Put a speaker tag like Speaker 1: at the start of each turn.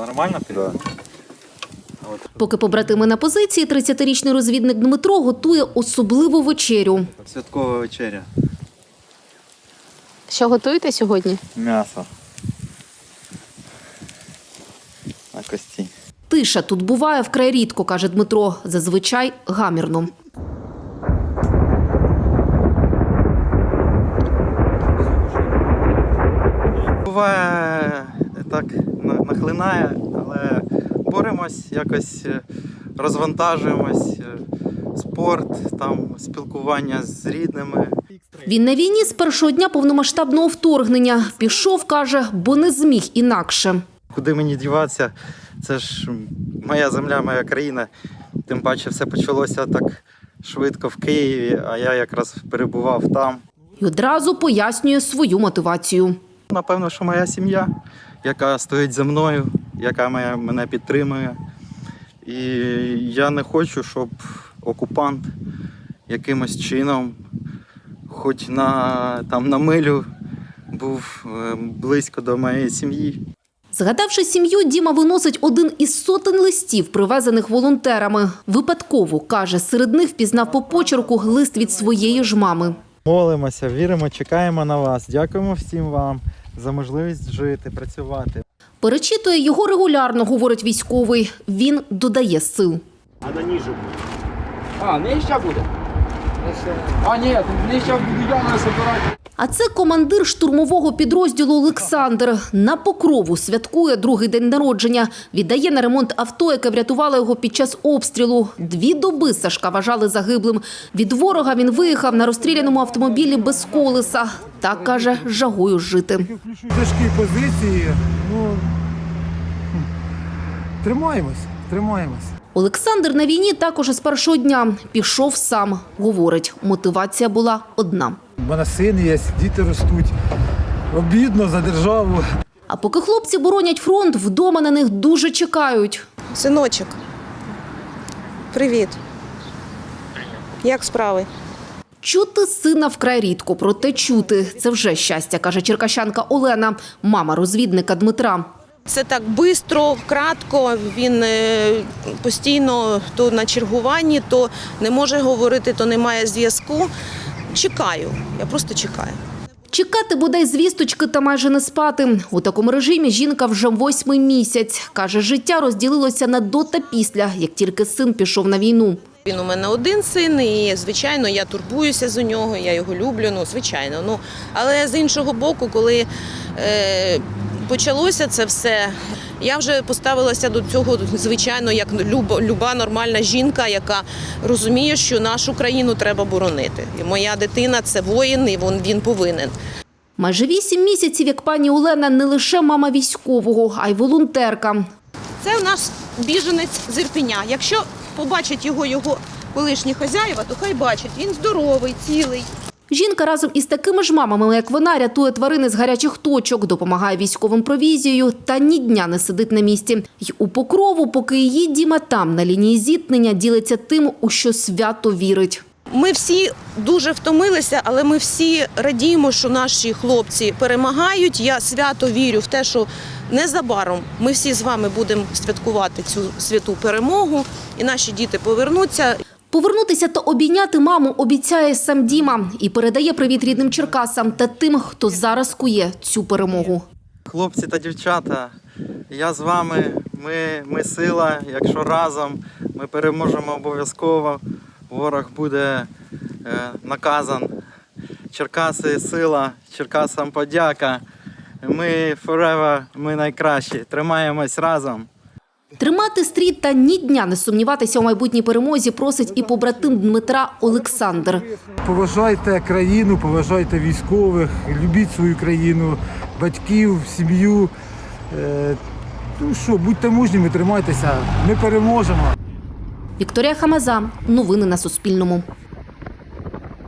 Speaker 1: Нормально ти? Да.
Speaker 2: Поки побратими на позиції, 30-річний розвідник Дмитро готує особливу вечерю.
Speaker 1: Святкова вечеря.
Speaker 2: Що готуєте сьогодні?
Speaker 1: М'ясо. На кості.
Speaker 2: Тиша тут буває вкрай рідко, каже Дмитро. Зазвичай гамірно.
Speaker 1: Буває так нахлинає, але боремось, якось розвантажуємось. Спорт, там спілкування з рідними.
Speaker 2: Він на війні з першого дня повномасштабного вторгнення. Пішов, каже, бо не зміг інакше.
Speaker 1: Куди мені діватися? Це ж моя земля, моя країна. Тим паче все почалося так швидко в Києві, а я якраз перебував там.
Speaker 2: І одразу пояснює свою мотивацію.
Speaker 1: Напевно, що моя сім'я, яка стоїть за мною, яка мене підтримує. І я не хочу, щоб окупант якимось чином, хоч на милю, був близько до моєї сім'ї.
Speaker 2: Згадавши сім'ю, Діма виносить один із сотень листів, привезених волонтерами. Випадково, каже, серед них впізнав по почерку лист від своєї ж мами.
Speaker 1: Молимося, віримо, чекаємо на вас. Дякуємо всім вам за можливість жити, працювати.
Speaker 2: Перечитує його регулярно, говорить військовий. Він додає сил.
Speaker 3: А на ніжу. А, нижча буде? А, ні, нижча буду я на собирати.
Speaker 2: А це командир штурмового підрозділу Олександр. На Покрову святкує другий день народження. Віддає на ремонт авто, яке врятувало його під час обстрілу. 2 доби Сашка вважали загиблим. Від ворога він виїхав на розстріляному автомобілі без колеса. Так, каже, жагою жити.
Speaker 4: Тяжкі позиції, тримаємось.
Speaker 2: Олександр на війні також із першого дня. Пішов сам. Говорить, мотивація була одна.
Speaker 4: У мене син є, діти ростуть. Обідно за державу.
Speaker 2: А поки хлопці боронять фронт, вдома на них дуже чекають.
Speaker 5: Синочок, привіт. Як справи?
Speaker 2: Чути сина вкрай рідко, проте чути – це вже щастя, каже черкащанка Олена, мама розвідника Дмитра.
Speaker 5: Це так швидко, кратко, він постійно то на чергуванні, то не може говорити, то немає зв'язку. Чекаю, я просто чекаю.
Speaker 2: Чекати бодай звісточки та майже не спати. У такому режимі жінка вже 8-й місяць. Каже, життя розділилося на до та після, як тільки син пішов на війну.
Speaker 5: Він у мене один син і, звичайно, я турбуюся за нього, я його люблю, звичайно. Але з іншого боку, коли почалося це все, я вже поставилася до цього, звичайно, як люба нормальна жінка, яка розуміє, що нашу країну треба боронити. І моя дитина – це воїн, і він повинен.
Speaker 2: Майже 8 місяців, як пані Олена, не лише мама військового, а й волонтерка.
Speaker 5: Це у нас біженець з Ірпеня. Якщо побачать його колишні хазяїва, то хай бачать, він здоровий, цілий.
Speaker 2: Жінка разом із такими ж мамами, як вона, рятує тварини з гарячих точок, допомагає військовим провізією та ні дня не сидить на місці. Й у Покрову, поки її Діма там, на лінії зіткнення, ділиться тим, у що свято вірить.
Speaker 5: Ми всі дуже втомилися, але ми всі радіємо, що наші хлопці перемагають. Я свято вірю в те, що незабаром ми всі з вами будемо святкувати цю святу перемогу, і наші діти повернуться.
Speaker 2: Повернутися та обійняти маму обіцяє сам Діма і передає привіт рідним Черкасам та тим, хто зараз кує цю перемогу.
Speaker 1: Хлопці та дівчата, я з вами, ми сила, якщо разом ми переможемо обов'язково, ворог буде наказан. Черкаси – сила, Черкасам подяка, ми forever, ми найкращі, тримаємось разом.
Speaker 2: Тримати стрій та ні дня не сумніватися у майбутній перемозі просить і побратим Дмитра Олександр.
Speaker 4: Поважайте країну, поважайте військових, любіть свою країну, батьків, сім'ю. Будьте мужніми, тримайтеся, ми переможемо.
Speaker 2: Вікторія Хамаза. Новини на Суспільному.